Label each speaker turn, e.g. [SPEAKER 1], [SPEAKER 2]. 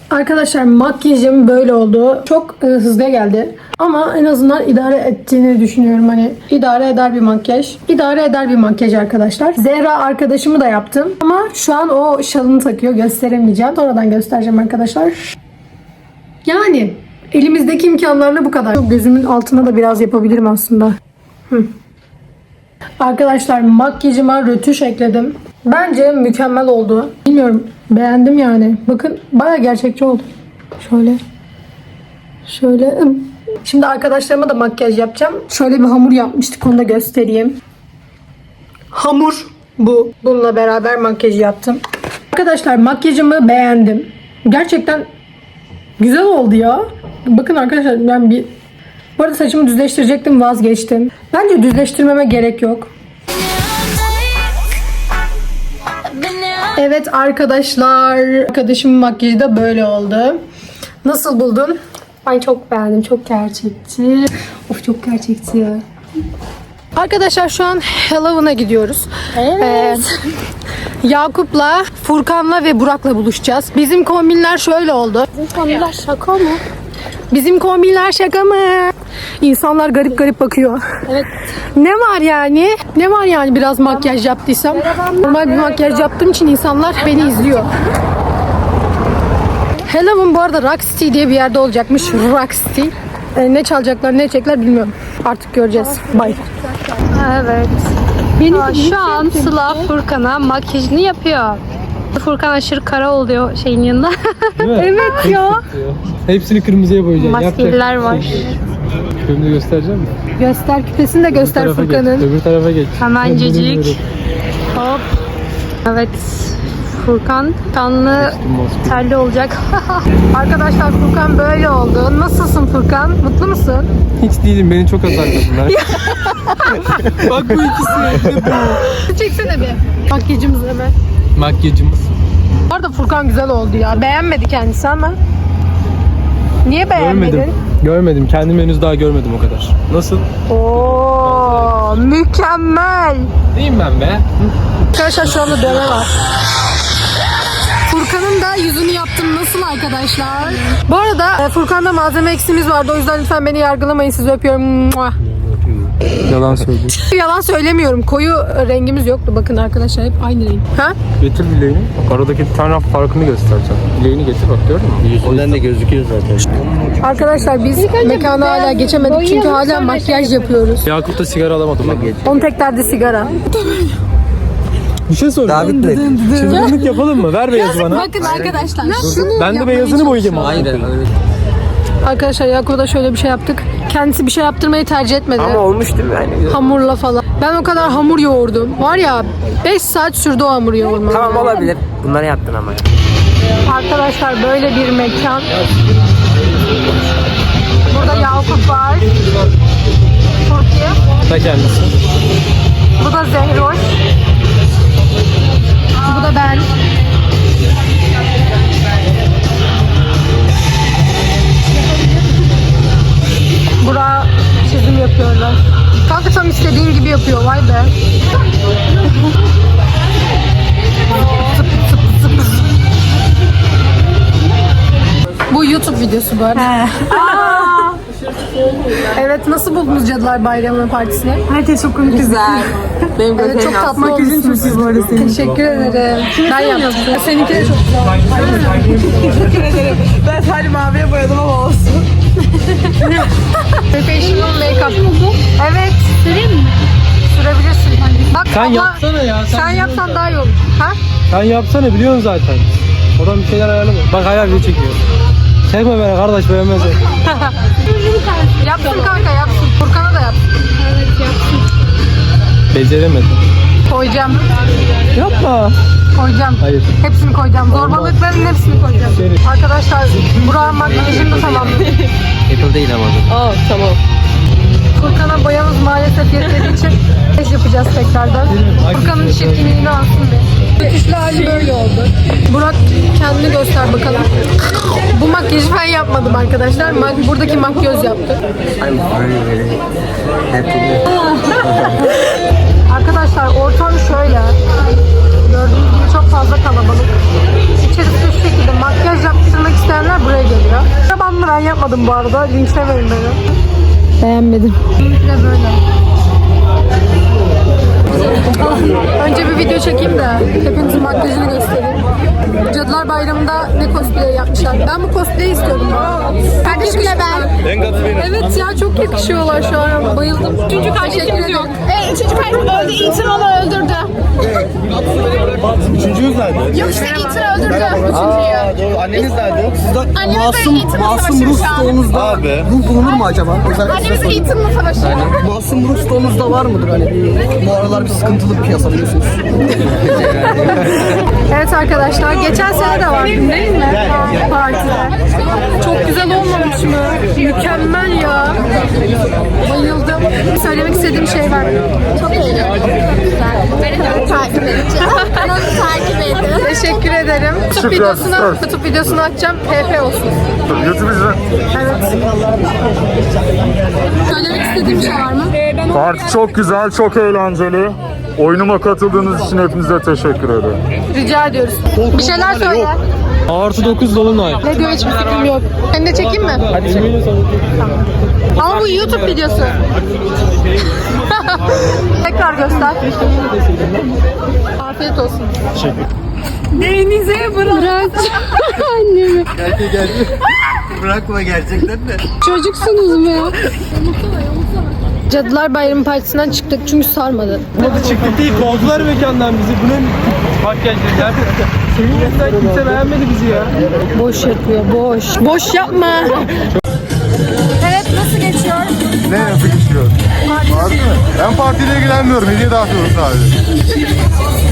[SPEAKER 1] Arkadaşlar makyajım böyle oldu. Çok hızlı geldi. Ama en azından idare ettiğini düşünüyorum. Hani idare eder bir makyaj. İdare eder bir makyaj arkadaşlar. Zehra arkadaşımı da yaptım. Ama şu an o şalını takıyor. Gösteremeyeceğim. Sonradan göstereceğim arkadaşlar. Yani elimizdeki imkanlarla bu kadar. Gözümün altına da biraz yapabilirim aslında. Arkadaşlar makyajıma rötuş ekledim. Bence mükemmel oldu. Bilmiyorum, beğendim yani. Bakın bayağı gerçekçi oldu. Şöyle. Şimdi arkadaşlarıma da makyaj yapacağım. Şöyle bir hamur yapmıştık, onu da göstereyim. Hamur bu. Bununla beraber makyaj yaptım. Arkadaşlar makyajımı beğendim. Gerçekten güzel oldu ya. Bakın arkadaşlar ben bu arada saçımı düzleştirecektim, vazgeçtim. Bence düzleştirmeme gerek yok. Evet arkadaşlar, arkadaşımın makyajı da böyle oldu. Nasıl buldun?
[SPEAKER 2] Ben çok beğendim. Çok gerçekçi. Of, çok gerçekçi ya.
[SPEAKER 1] Arkadaşlar şu an Halloween'a gidiyoruz.
[SPEAKER 2] Evet.
[SPEAKER 1] Yakup'la, Furkan'la ve Burak'la buluşacağız. Bizim kombinler şöyle oldu.
[SPEAKER 2] Bu konular şaka mı?
[SPEAKER 1] Bizim kombinler şaka mı? İnsanlar garip garip bakıyor.
[SPEAKER 2] Evet.
[SPEAKER 1] Ne var yani? Ne var yani biraz makyaj yaptıysam? Normal bir makyaj yaptığım için insanlar beni izliyor. Halloween bu arada Rock City diye bir yerde olacakmış. Rock City. Ne çalacaklar, ne edecekler bilmiyorum. Artık göreceğiz. Bye.
[SPEAKER 2] Evet. Şu an Sıla Furkan'a makyajını yapıyor. Furkan aşırı kara oluyor şeyin yanında. Evet ya.
[SPEAKER 3] Hepsini kırmızıya boyayacağım.
[SPEAKER 2] Maskeler var.
[SPEAKER 3] Küpemi de göstereceğim mi?
[SPEAKER 1] Göster, küpesini de göster
[SPEAKER 3] Öbür tarafa geç,
[SPEAKER 1] Furkan'ın.
[SPEAKER 3] öbür tarafa geç.
[SPEAKER 2] Hemencecik. Hop. Evet. Furkan kanlı terli olacak.
[SPEAKER 1] Arkadaşlar Furkan böyle oldu. Nasılsın Furkan? Mutlu musun?
[SPEAKER 3] Hiç değilim, beni çok azarladılar. Bak bu ikisi.
[SPEAKER 1] Çeksene bir. Makyajımız hemen.
[SPEAKER 3] Makyajımız.
[SPEAKER 1] Bu arada Furkan güzel oldu ya. Beğenmedi kendisi ama. Niye beğenmedin?
[SPEAKER 3] Görmedim. Kendimi henüz daha görmedim o kadar. Nasıl?
[SPEAKER 1] Oo, mükemmel.
[SPEAKER 3] Neyim ben be?
[SPEAKER 1] Arkadaşlar şu anda dövme var. Furkan'ın da yüzünü yaptım. Nasıl arkadaşlar? Bu arada Furkan'da malzeme eksiğimiz vardı. O yüzden lütfen beni yargılamayın. Sizi öpüyorum. Mua.
[SPEAKER 3] Yalan söyledim.
[SPEAKER 1] Yalan söylemiyorum. Koyu rengimiz yoktu. Bakın arkadaşlar hep aynı renk. Ha?
[SPEAKER 3] Getir bileğini. Bak aradaki bir tane farkını göstereceğim. Bileğini getir bak, gördün mü?
[SPEAKER 4] Yüzünden de gözüküyor zaten.
[SPEAKER 1] Arkadaşlar biz mekana hala geçemedik. Çünkü hala makyaj yapıyoruz.
[SPEAKER 3] Yakup da sigara alamadı bak.
[SPEAKER 1] Onun tek derdi sigara.
[SPEAKER 3] Bir şey soracağım. Çılgınlık yapalım mı? Ver beyazı bana.
[SPEAKER 1] Bakın arkadaşlar.
[SPEAKER 3] Ben de beyazını boyayacağım.
[SPEAKER 4] Aynen.
[SPEAKER 1] Arkadaşlar Yakup'a da şöyle bir şey yaptık. Kendisi bir şey yaptırmayı tercih etmedi.
[SPEAKER 4] Ama olmuş değil mi yani?
[SPEAKER 1] Hamurla falan. Ben o kadar hamur yoğurdum. Var ya 5 saat sürdü o hamur yoğurma.
[SPEAKER 4] Tamam, olabilir. Bunları yaptın ama.
[SPEAKER 1] Arkadaşlar böyle bir mekan. Burada Yakup var. Türkiye.
[SPEAKER 3] Da kendisi.
[SPEAKER 1] Bu da Zehroş. Bu da ben. Burak çizim yapıyorlar. Kanka tam istediğin gibi yapıyor, vay be. Bu YouTube videosu bu arada. Evet, nasıl buldunuz Cadılar Bayramı partisini?
[SPEAKER 5] Herkes çok komik. Güzel. Benim
[SPEAKER 1] Evet, çok tatlı olmuşsunuz.
[SPEAKER 5] bu arada senin.
[SPEAKER 1] Teşekkür ederim. Ben yaptım. Seninki de çok güzel.
[SPEAKER 5] Teşekkür ederim. Ben sadece maviye boyadım ama olsun.
[SPEAKER 1] Professional make-up. Evet. Süreyim mi? Sürebilirsin. Bak
[SPEAKER 3] Sen
[SPEAKER 1] ama
[SPEAKER 3] yapsana ya.
[SPEAKER 1] sen yapsan daha iyi olur. Ha?
[SPEAKER 3] Sen yapsana, biliyorsun zaten. Oradan bir şeyler ayarlama. Bak hala video çekiyor. Çekme beni kardeş, beğenmez.
[SPEAKER 1] Yapsın kanka, yapsın. Furkan'a da yapsın. Evet, yapsın.
[SPEAKER 3] Beceremedim.
[SPEAKER 1] Koyacağım.
[SPEAKER 3] Yapma.
[SPEAKER 1] Koyacağım.
[SPEAKER 3] Hayır.
[SPEAKER 1] Hepsini koyacağım. Zorbalıkların hepsini koyacağım. Arkadaşlar Burak'ın makyajını da tamamladım.
[SPEAKER 4] Apple değil ama.
[SPEAKER 1] Aa, tamam. Furkan'a boyamız maalesef yetmediği için makyaj yapacağız tekrardan. Furkan'ın çirkinliğini alsın diye. Rötuşlu hali böyle oldu. Burak kendini göster bakalım. Bu makyajı ben yapmadım arkadaşlar. Buradaki makyöz yaptı. Arkadaşlar ortam şöyle. Gördüğünüz gibi çok fazla kalabalık. İçerisi şu şekilde. Makyaj yaptırmak isteyenler Ben yapmadım bu arada. Linçlemeyin beni. Beğenmedim. Önce bir video çekeyim de hepinizin makyajını göstereyim. Cadılar Bayramı'nda ne cosplay yapmışlar. Ben bu cosplay'i istiyorum. Kardeşimle ben. Evet ya çok yakışıyorlar şu an. Bayıldım. Üçüncü kardeşimiz yok.
[SPEAKER 6] Üçüncü kardeşim öldü. Ethan onu öldürdü.
[SPEAKER 7] Üçüncüyüz nerede?
[SPEAKER 6] Yok işte Ethan öldürdü. Üçüncüyü.
[SPEAKER 7] Doğru. Anneniz nerede?
[SPEAKER 6] Masum Ruh
[SPEAKER 7] stoğunuzda
[SPEAKER 8] Abi.
[SPEAKER 7] ruh bulunur mu acaba?
[SPEAKER 6] Annemiz Ethan'la savaşıyor.
[SPEAKER 7] Masum ruh stoğunuzda var mıdır hani? Bu aralar bir sıkıntılı bir piyasa biliyorsunuz.
[SPEAKER 1] Evet arkadaşlar geçen sene de vardı değil mi? Partide. Çok güzel olmamış mı? Mükemmel ya. Bayıldım. Söylemek istediğim şey var.
[SPEAKER 6] Çok eğlenceli. Beni de takip edeceğim. Kanalı takip edin.
[SPEAKER 1] Teşekkür ederim. YouTube videosunu atacağım. PP olsun.
[SPEAKER 8] YouTube izle.
[SPEAKER 1] Evet. Söylemek istediğim şey var mı?
[SPEAKER 8] Parti çok güzel, çok eğlenceli. Oyunuma katıldığınız için hepinize teşekkür ederim.
[SPEAKER 1] Rica ediyoruz. Bir şeyler söyle.
[SPEAKER 3] Artı 9 dolunay.
[SPEAKER 1] Ne diyor hiçbir fikrim yok. Seni de çekeyim mi?
[SPEAKER 3] Hadi çek.
[SPEAKER 1] Ama bu YouTube videosu. Tekrar göster. Afiyet olsun. Denize bırak. Annemi.
[SPEAKER 7] Geldi. Bırakma gerçekten de.
[SPEAKER 1] Çocuksunuz mu? Cadılar Bayramı Partisi'nden çıktık çünkü sarmadı.
[SPEAKER 3] Hadi çıktık değil, kovdular mekandan bizi. Bu ne makyaj dediler. Senin yüzünden kimse beğenmedi bizi ya.
[SPEAKER 1] Boş yapıyor, boş. Boş yapma. Evet, nasıl geçiyor?
[SPEAKER 8] Ne yapı geçiyor? Var mı? Ben partiyle ilgilenmiyorum. Hediye dağıtıyorum sadece.